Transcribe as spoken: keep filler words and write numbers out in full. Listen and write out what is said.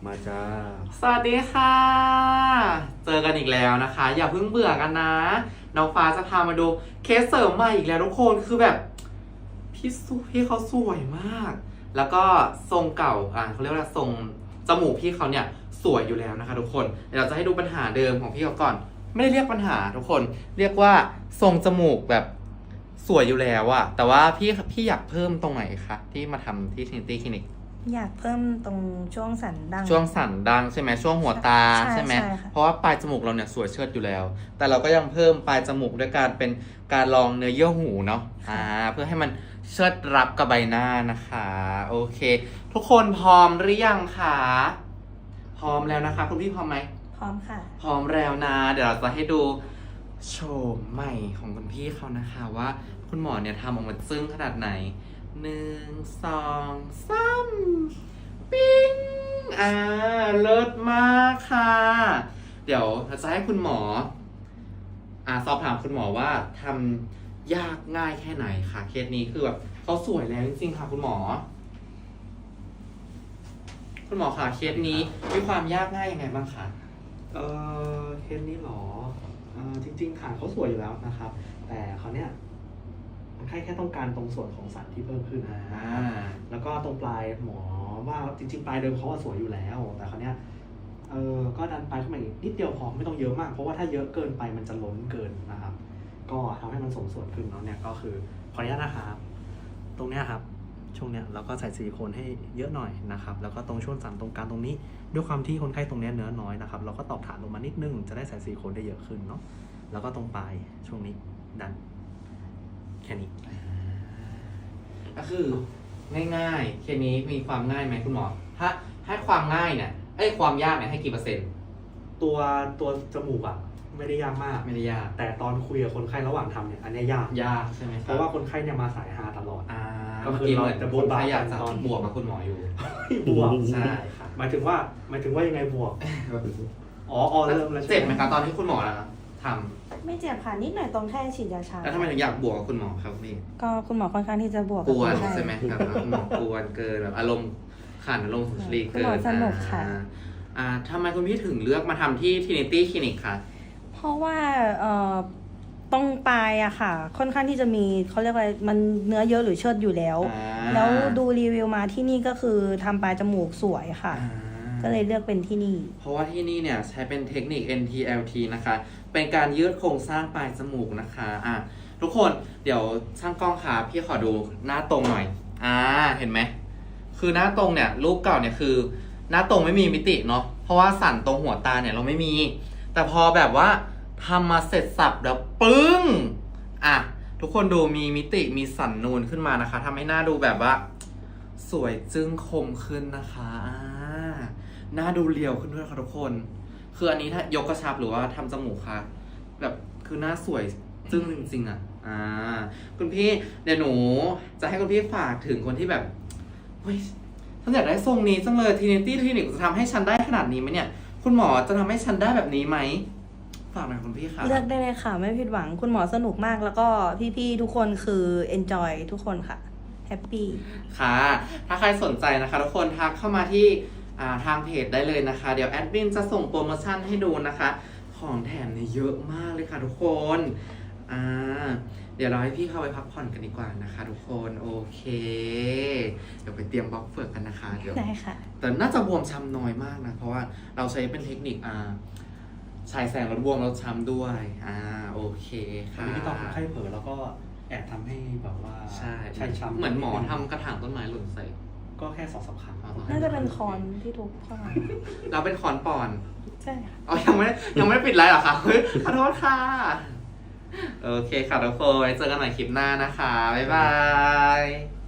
มาจ้าสวัสดีค่ะ เจอกันอีกแล้วนะคะ อย่าเพิ่งเบื่อกันนะ น้องฟ้าจะพามาดูเคสเสริมใหม่อีกแล้วทุกคนคือแบบพี่สุพี่เขาสวยมาก แล้วก็ทรงเก่าอ่าเขาเรียกว่าทรงจมูกพี่เขาเนี่ยสวยอยู่แล้วนะคะทุกคนเดี๋ยวเราจะให้ดูปัญหาเดิมของพี่เขาก่อน ไม่ได้เรียกปัญหาทุกคน เรียกว่าทรงจมูกแบบสวยอยู่แล้วอะแต่ว่าพี่พี่อยากเพิ่มตรงไหนคะที่มาทำที่ Trinity Clinic อยากเพิ่มตรงช่วงสันดั้งช่วงสันดังใช่ไหมช่วงหัวตาใช่ใช่ไหมใช่ค่ะเพราะว่าปลายจมูกเราเนี่ยสวยเชิดอยู่แล้ว แต่เราก็ยังเพิ่มปลายจมูกด้วยการเป็นการลองเนื้อเยื่อหูเนาะอ่าเพื่อให้มันเชิดรับกับใบหน้านะคะโอเค ทุกคนพร้อมหรือยังคะพร้อมแล้วนะคะคุณพี่พร้อมไหมพร้อมค่ะพร้อมแล้วนะ เดี๋ยวเราจะให้ดูโฉมใหม่ของคุณพี่เขานะคะว่าคุณหมอเนี่ยทำออกมาซึ้งขนาดไหนหนึ่งสองสามปิ้งอ่าเลิศมากค่ะ เดี๋ยวเราจะให้คุณหมออ่าสอบถามคุณหมอว่าทำยากง่ายแค่ไหนคะเคสนี้คือแบบเขาสวยแล้วจริงๆค่ะคุณหมอ คุณหมอคะเคสนี้มีความยากง่ายยังไงบ้างคะเออเคสนี้หรอเออจริงๆฐานเขาสวยอยู่แล้วนะครับ แต่เขาเนี่ยคนไข้แค่ต้องการตรงส่วนของสันที่เพิ่มขึ้นอ่าแล้วก็ตรงปลายหมอว่าจริงๆ ปลายเดิมเขาว่าสวยอยู่แล้ว แต่เขาเนี่ยเออก็ดันปลายขึ้นมาอีกนิดเดียวพอไม่ต้องเยอะมาก เพราะว่าถ้าเยอะเกินไปมันจะล้นเกินนะครับ ก็ทำให้มันสมส่วนขึ้นเนาะเนี่ยก็คือขออนุญาตนะครับตรงเนี้ยครับช่วงเนี้ยเราก็ใส่ซิลิโคนให้เยอะหน่อยนะครับแล้วก็ตรงช่วงสันตรงกลางตรงนี้ด้วยความที่คนไข้ตรงเนี้ยเนื้อน้อยนะครับเราก็ตอกฐานลงมานิดนึงจะได้ใส่ซิลิโคนได้เยอะขึ้นเนาะแล้วก็ตรงปลายช่วงนี้ดันแค่นี้ก็คือง่ายๆเคสนี้มีความง่ายไหมคุณหมอ ถ้าให้ความง่ายเนี่ยเอ้ยความยากเนี่ยให้กี่เปอร์เซ็นต์ตัวตัวจมูกอ่ะไม่ได้ยากมากไม่ได้ยากแต่ตอนคุยกับคนไข้ระหว่างทำเนี่ยอันเนี้ยยากยากใช่ไหมคเพรับราะว่าคนไข้เนี่ยมาสายฮาตลอดอ่าก็เมื่อคือกี้เหมือนเราจะคนไข้บวกอยากจะตอนบวกกับคุณหมออยู่บวกใช่ค่ะหมายถึงว่าหมายถึงว่ายังไงบวกอ๋ออ๋อเริ่มแล้วใช่เจ็บไหมครับตอนที่คุณหมอทไม่เจ็บค่ะนิดหน่อยตรงแค่ฉีดยาชาำแล้วทำไมถึงอยากบวกกับคุณหมอครับพี่ก็คุณหมอค่อนข้างที่จะบวกกกับวนคนไข้ใช่ไหมครับคุณหมอกวนเกินแบบอารมณ์ขันอารมณ์สุนทรีย์คุณเกิหมอน สนุกค่ะอ่าอ่าทำไมคุณพี่ถึงเลือกมาทำที่ Trinity Clinic คะเพราะว่าเอ่อตรงปลายอะค่ะ ค่อนข้างที่จะมีเขาเรียกว่ามันเนื้อเยอะหรือเชิดอยู่แล้วอ่าแล้วดูรีวิวมาที่นี่ก็คือทำปลายจมูกสวยค่ะอ่าก็เลยเลือกเป็นที่นี่เพราะว่าที่นี่เนี่ยใช้เป็นเทคนิค เอ็น ที แอล ที นะคะ เป็นการยืดโครงสร้างปลายจมูกนะคะอ่ะทุกคนเดี๋ยวช่างกล้องค่ะพี่ขอดูหน้าตรงหน่อยอ่าเห็นไหมคือหน้าตรงเนี่ยรูปเก่าเนี่ยคือหน้าตรงไม่มีมิติเนาะเพราะว่าสันตรงหัวตาเนี่ยเราไม่มี แต่พอแบบว่าทำมาเสร็จสับแล้วปึ้งอ่ะทุกคนดูมีมิติมีสันนูนขึ้นมานะคะทำให้หน้าดูแบบว่าสวยจึ้งคมขึ้นนะคะอ่าหน้าดูเรียวขึ้นด้วยค่ะทุกคนคืออันนี้ถ้ายกกระชับหรือว่าทำจมูกค่ะแบบคือหน้าสวยจึ้งจริงๆอ่ะอ่าคุณพี่เดี๋ยวหนูจะให้คุณพี่ฝากถึงคนที่แบบเฮ้ยฉันอยากได้ทรงนี้จังเลย Trinity Clinic จะทำให้ฉันได้ขนาดนี้ไหมเนี่ยคุณหมอจะทำให้ฉันได้แบบนี้ไหมฝากหน่อยคุณพี่ค่ะเลือกได้เลยค่ะ ไม่ผิดหวังคุณหมอสนุกมากแล้วก็พี่ๆทุกคนคือ enjoy ทุกคนค่ะแฮปปี้ค่ะ ถ้าใครสนใจนะคะทุกคนทักเข้ามาที่อ่าทางเพจได้เลยนะคะ เดี๋ยวแอดมินจะส่งโปรโมชั่นให้ดูนะคะ ของแถมเนี่ยเยอะมากเลยค่ะทุกคนอ่าเดี๋ยวเราให้พี่เข้าไปพักผ่อนกันดีกว่านะคะ ทุกคนโอเค เดี๋ยวไปเตรียมบล็อกเฟือกกันนะคะเดี๋ยวได้ค่ะแต่น่าจะบวมช้ำน้อยมากนะ เพราะว่าเราใช้เป็นเทคนิคอ่าฉายแสงลดบวมลดช้ำด้วยอ่าโอเคอันค่ะนี้ที่ตอนคนไข้เผลอแล้วก็แอบทำให้แบบว่าใช่ใช่ช้ำเหมือนหมอทำกระถางต้นไม้หล่นใส่ก็แค่สองสามครั้งน่าจะเป็นคอนที่ทุกข้อเราเป็นคอนปอนใช่ค่ะอ๋อยังไม่ได้ยังไม่ได้ปิดไลฟ์เหรอคะเฮ้ยขอโทษค่ะ โอเคค่ะทุกคนไว้เจอกันใหม่คลิปหน้านะคะ บ๊ายบาย